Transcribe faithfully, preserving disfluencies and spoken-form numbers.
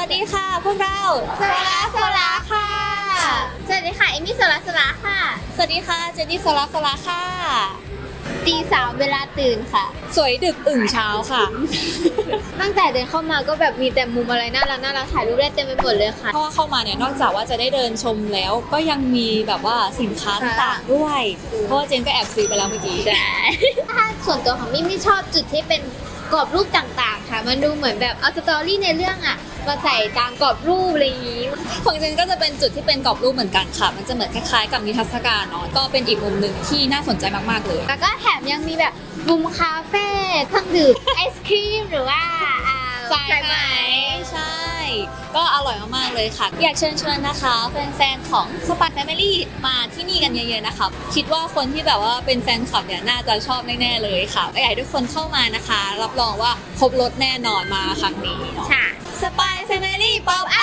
วัสดีค่ะพวกเราโซลาโซลาค่ะสวัสดีค่ะเอมี่โซลาโซลาค่ะสวัสดีค่ะเจนนี่โซลาโซลาค่ะตีสามเวลาตื่นค่ะสวยดึกอึ่งเช้าค่ะตั้งแต่เดินเข้ามาก็แบบมีแต่มุมอะไรน่ารักน่ารักถ่ายรูปได้เต็มไปหมดเลยค่ะเพราะว่าเข้ามาเนี่ยนอกจากว่าจะได้เดินชมแล้วก็ยังมีแบบว่าสินค้าต่างๆด้วยเพราะว่าเจนก็แอบซื้อไปแล้วเมื่อกี้ใช่ถ้าส่วนตัวของมี่ไม่ชอบจุดที่เป็นกรอบรูปต่างๆค่ะมันดูเหมือนแบบเอาสตอรี่ในเรื่องอะมาใส่ตามกรอบรูปอะไรอย่างนี้ของเจนก็จะเป็นจุดที่เป็นกรอบรูปเหมือนกันค่ะมันจะเหมือนคล้ายๆกับนิทรรศการเนาะก็เป็นอีกมุมหนึ่งที่น่าสนใจมากๆเลยแล้วก็แถมยังมีแบบมุมคาเฟ่เครื่องดื่มไอศครีมหรือว่าสายไหมใช่ก็อร่อยมากๆเลยค่ะอยากเชิญชวนนะคะแฟนๆของสปาร์คแฟมิลี่มาที่นี่กันเยอะๆนะคะคิดว่าคนที่แบบว่าเป็นแฟนคลับเนี่ยน่าจะชอบแน่ๆเลยค่ะอยากให้ทุกคนเข้ามานะคะรับรองว่าครบรสแน่นอนมาครั้งนี้ค่ะสปาร์คแฟมิลี่ป๊อป